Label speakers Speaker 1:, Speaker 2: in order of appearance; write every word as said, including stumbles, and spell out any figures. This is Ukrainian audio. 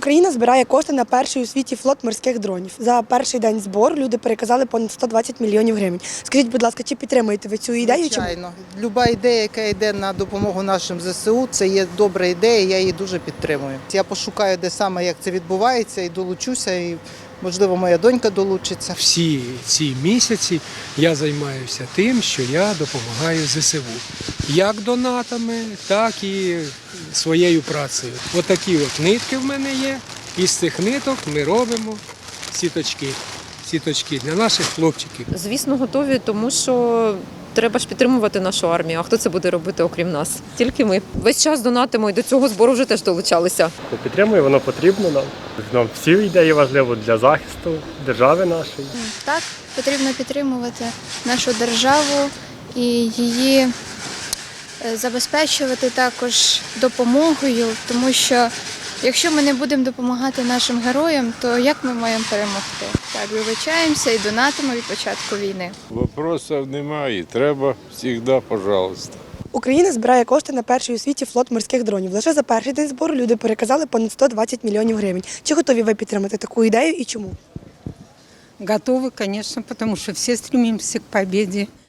Speaker 1: Україна збирає кошти на перший у світі флот морських дронів. За перший день збору люди переказали понад сто двадцять мільйонів гривень. Скажіть, будь ласка, чи підтримуєте ви цю ідею?
Speaker 2: Звичайно. Люба ідея, яка йде на допомогу нашим зе се у, це є добра ідея, я її дуже підтримую. Я пошукаю, де саме, як це відбувається, і долучуся, і, можливо, моя донька долучиться.
Speaker 3: Всі ці місяці я займаюся тим, що я допомагаю зе се у. Як донатами, так і своєю працею. Отакі от нитки в мене є, і з цих ниток ми робимо сіточки. Сіточки для наших хлопчиків.
Speaker 4: Звісно, готові, тому що треба ж підтримувати нашу армію. А хто це буде робити, окрім нас? Тільки ми. Весь час донатимо і до цього збору вже теж долучалися.
Speaker 5: Підтримую, воно потрібно нам. Нам всі ідеї важливі для захисту держави нашої.
Speaker 6: Так, потрібно підтримувати нашу державу і її забезпечувати також допомогою, тому що якщо ми не будемо допомагати нашим героям, то як ми маємо перемогти? Так, вибачаємося і донатимо від початку війни.
Speaker 7: Вопросів немає, треба завжди, пожалуйста.
Speaker 1: Україна збирає кошти на перший у світі флот морських дронів. Лише за перший день збору люди переказали понад сто двадцять мільйонів гривень. Чи готові ви підтримати таку ідею і чому?
Speaker 8: Готовы, конечно, потому что все стремимся к победе.